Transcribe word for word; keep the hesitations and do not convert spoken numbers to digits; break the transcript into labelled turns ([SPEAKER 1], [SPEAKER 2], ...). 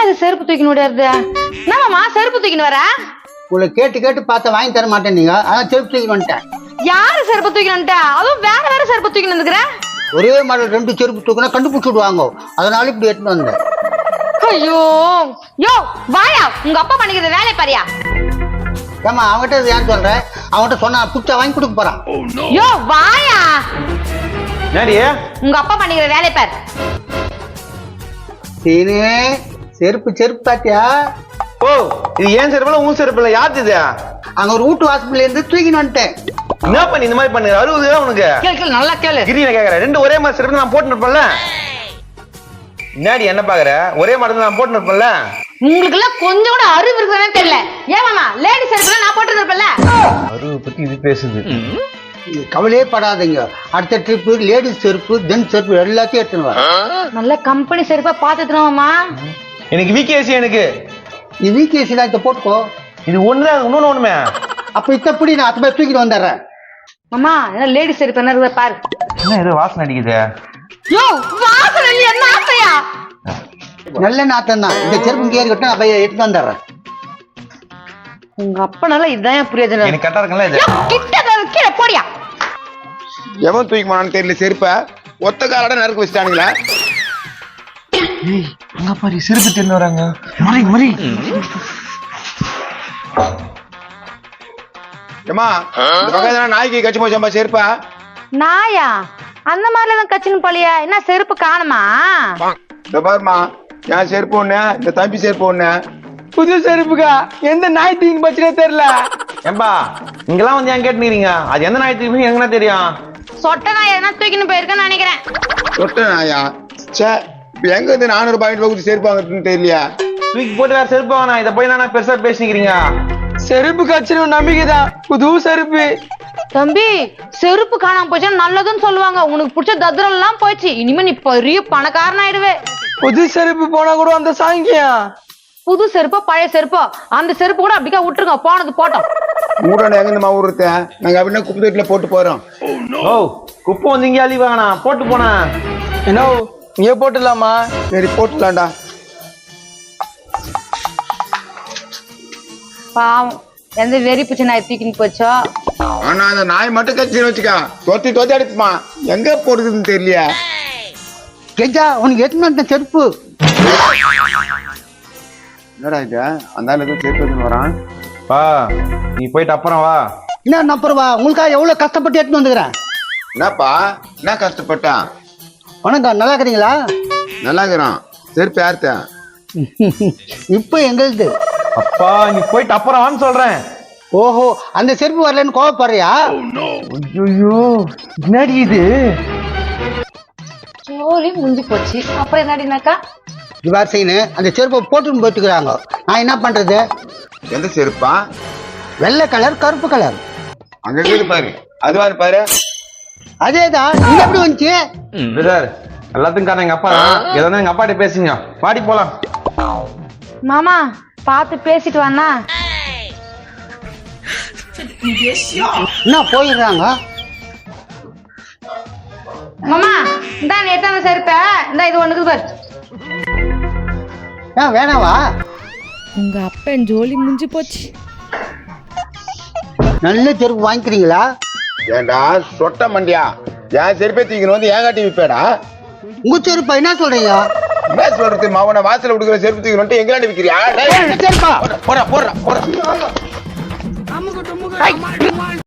[SPEAKER 1] இது செருப்பு தூக்கின்னு ஓடியாருது? என்னமாமா செருப்பு தூக்கின்னு வர?
[SPEAKER 2] உங்களை கேட்டு கேட்டு பார்த்த வாங்கி தர மாட்டேன் நீங்க, அதான் செருப்பு தூக்கின்னு வந்துட்டேன்.
[SPEAKER 1] யாரு செருப்பு தூக்கின்னு வந்துட்ட? அதுவும் வேற வேற செருப்பு தூக்கின்னு வந்துக்கிற?
[SPEAKER 2] ஒரே மாடல் ரெண்டு செருப்பு தூக்கினா கண்டுபிடிச்சு விடுவாங்க, அதனால இப்படி எடுத்துட்டு வந்தேன்.
[SPEAKER 1] ஐயோ யோ வாயா, உங்க அப்பா பண்ணிக்கிற வேலையை பாரியா?
[SPEAKER 2] ஏமா அவங்ககிட்ட ஏன் சொல்ற? அவங்ககிட்ட சொன்னா புடிச்சா வாங்கி கொடுக்க போறான்.
[SPEAKER 1] யோ வாயா,
[SPEAKER 3] என்னடி
[SPEAKER 1] உங்க அப்பா பண்ணிக்கிற வேலையை பாரு.
[SPEAKER 2] சீனு செருப்பு செருப்பு பாத்தியா?
[SPEAKER 3] ஓ இது ஏன் செருப்பு இல்ல உன் செருப்பு இல்ல, யாரு இது?
[SPEAKER 2] அங்க ஒரு வீட்டு வாசல்ல இருந்து தூக்கின்னு வந்துட்டேன்.
[SPEAKER 3] என்ன பண்ணி இந்த மாதிரி பண்ணு? அறுபது உனக்கு
[SPEAKER 1] கேளு கேளு நல்லா கேளு.
[SPEAKER 3] கிரியில கேக்குறேன், ரெண்டு ஒரே மாதிரி செருப்பு நான் போட்டு இருப்பேன்ல. என்னடி என்ன பாக்குற? ஒரே மாதிரி நான் போட்டு இருப்பேன்ல.
[SPEAKER 1] உங்களுக்கு எல்லாம் கொஞ்சம் கூட அறிவு இருக்குதானே தெரியல. ஏன் மாமா லேடி செருப்பு நான் போட்டு இருப்பேன்ல.
[SPEAKER 3] அறிவு பத்தி இது பேசுது.
[SPEAKER 2] கவலையே படாதீங்க, அடுத்த ட்ரிப்பு லேடிஸ் செருப்பு ஜென்ஸ் செருப்பு எல்லாத்தையும் எடுத்துன்னு வரேன்.
[SPEAKER 1] நல்ல கம்பெனி செருப்பா பாத்துட்டுமாமா.
[SPEAKER 3] எனக்கு விகேசி, எனக்கு
[SPEAKER 2] நீ விகேசில இதை போட்டுக்கோ.
[SPEAKER 3] இது ஒண்ணுதான், இன்னொன்னு ஒண்ணுமே.
[SPEAKER 2] அப்ப இத்தப்படி நான் அத்தனை தூக்கிட்டு வந்துடுறேன்.
[SPEAKER 1] மாமா என்ன லேடி செருப்பு என்ன இருக்குதா பாரு.
[SPEAKER 3] என்ன ஏதோ வாசனை அடிக்குது?
[SPEAKER 1] யோ வாசனை என்ன ஆசையா?
[SPEAKER 2] நல்ல நாத்தம் தான். இந்த செருப்பு கேரி கட்ட நான் போய் எடுத்து வந்துடுறேன்.
[SPEAKER 1] உங்க அப்பனால இதான் புரியாதுன்னு
[SPEAKER 3] எனக்கு கரெக்டா இருக்குல்ல இது?
[SPEAKER 1] கிட்ட கீழே போடியா.
[SPEAKER 4] எவன் தூக்கி போனான்னு தெரியல செருப்ப, ஒத்த காலோட நறுக்கு வச்சுட்டானுங்களா?
[SPEAKER 3] அங்க பாரு செருப்பு தின்னு வராங்க. மரி மரி
[SPEAKER 4] ஏமா இந்த பக்கம் நாய்க்கு கட்சி போச்சம்பா செருப்பா?
[SPEAKER 1] நாயா அந்த மாதிரில தான் கச்சின்னு போலியா? என்ன செருப்பு காணுமா?
[SPEAKER 4] இந்த பாருமா, என் செருப்பு ஒண்ணு, இந்த தம்பி செருப்பு ஒண்ணு.
[SPEAKER 5] புது செருப்புக்கா எந்த நாய் தீங்கு பச்சுனே தெரியல.
[SPEAKER 3] ஏம்பா இங்கெல்லாம் வந்து ஏன் கேட்டுக்கிறீங்க? அது எந்த நாய் தூக்கி எங்கன்னா தெரியும்?
[SPEAKER 1] சொட்ட நாய் எதனா தூக்கின்னு போயிருக்கேன்னு நினைக்கிறேன்.
[SPEAKER 4] சொட்ட நாயா? சே, எங்க இருந்து நானூறு பாயிண்ட் வகுத்து செருப்பு வாங்குறதுன்னு தெரியலையா?
[SPEAKER 3] தூக்கி போட்டு வேற செருப்பு வாங்கினா இதை போய் நானா பெருசா பேசிக்கிறீங்க?
[SPEAKER 5] செருப்பு கட்சின்னு நம்பிக்கைதான், புது செருப்பு.
[SPEAKER 1] தம்பி செருப்பு காணாம போச்சுன்னா நல்லதுன்னு சொல்லுவாங்க. உனக்கு பிடிச்ச தத்ரம் எல்லாம் போயிடுச்சு, இனிமே நீ பெரிய பணக்காரன் ஆயிடுவே.
[SPEAKER 5] புது செருப்பு போனா கூட அந்த சாங்கியம்.
[SPEAKER 1] புது செருப்போ பழைய செருப்போ அந்த செருப்பு கூட அப்படிக்கா விட்டுருங்க, போனது போட்டோம்.
[SPEAKER 4] மூடான எங்க இந்த மாவுறத நாங்க அப்படின்னா குப்பை தொட்டில போட்டு போறோம்.
[SPEAKER 3] ஓ குப்பை வந்து இங்கே அழி வாங்கண்ணா போட்டு போனா
[SPEAKER 5] என்ன இங்கே போட்டுடலாமா?
[SPEAKER 4] சரி போட்டுலாம்டா.
[SPEAKER 1] பாவம் எந்த வெறி பிடிச்ச நாய் தூக்கின்னு போச்சோ.
[SPEAKER 4] ஆனா அந்த நாய் மட்டும் கட்சி வச்சுக்கா, தொத்தி தொத்தி அடிப்புமா, எங்க போடுறதுன்னு தெரியலையா?
[SPEAKER 2] கெஜா உனக்கு எடுத்துன்னு வந்துட்டேன் செருப்பு.
[SPEAKER 4] என்னடா இது, அந்த ஆள் எதுவும் செருப்பு எடுத்துன்னு வரான்.
[SPEAKER 3] வா நீ போயிட்டு அப்புறம் வா.
[SPEAKER 2] என்ன நம்புறவா, உங்களுக்காக எவ்வளவு கஷ்டப்பட்டு எடுத்துன்னு வந்துக்கிறேன்.
[SPEAKER 4] என்னப்பா என்ன கஷ்டப்பட்டான்?
[SPEAKER 2] வணக்கம், நல்லா இருக்கிறீங்களா?
[SPEAKER 4] நல்லா இருக்கிறான். செருப்பு யார்த்த?
[SPEAKER 2] இப்போ எங்களுக்கு.
[SPEAKER 3] அப்பா நீ போயிட்டு அப்புறம் வான்னு சொல்றேன்.
[SPEAKER 2] ஓஹோ, அந்த செருப்பு வரலன்னு கோவப்படுறியா?
[SPEAKER 3] ஐயோ என்னடி இது?
[SPEAKER 1] சோழி முடிஞ்சு போச்சு, அப்புறம் என்னடினாக்கா?
[SPEAKER 2] இவ்வாறு செய்யணும், அந்த செருப்பை போட்டுன்னு போட்டுக்கிறாங்க. நான் என்ன பண்றது?
[SPEAKER 4] எந்த செருப்பா?
[SPEAKER 2] வெள்ளை கலர் கருப்பு கலர்.
[SPEAKER 4] அங்க இருக்குது பாரு, அதுவா பாரு.
[SPEAKER 2] அதேதான், இது எப்படி வந்துச்சு?
[SPEAKER 3] பிரதர் எல்லாத்துக்கும் காரணம் எங்க அப்பா தான். எதாவது எங்க அப்பாட்ட பேசுங்க, வாடி போலாம்.
[SPEAKER 1] மாமா பார்த்து பேசிட்டு வாண்ணா.
[SPEAKER 2] என்ன போயிடுறாங்க?
[SPEAKER 1] மாமா இந்தா நேத்தான செருப்ப இந்த இது ஒண்ணுக்கு பாரு.
[SPEAKER 2] ஏன் வேணாவா?
[SPEAKER 6] உங்க அப்பன் ஜோலி முடிஞ்சு போச்சு.
[SPEAKER 2] நல்ல செருப்பு வாங்கிக்கிறீங்களா?
[SPEAKER 4] ஏண்டா சொட்ட மண்டியா, என் செருப்பே தூக்கின்னு வந்து ஏன் காட்டி விப்பேடா?
[SPEAKER 2] உங்க செருப்பா என்ன சொல்றீங்க?
[SPEAKER 4] என்ன சொல்றது, மாவன வாசல விடுக்கிற செருப்பு தூக்கி வந்துட்டு எங்களாண்ட விக்கிறியா?
[SPEAKER 2] செருப்பா
[SPEAKER 4] போடா போடா போடா.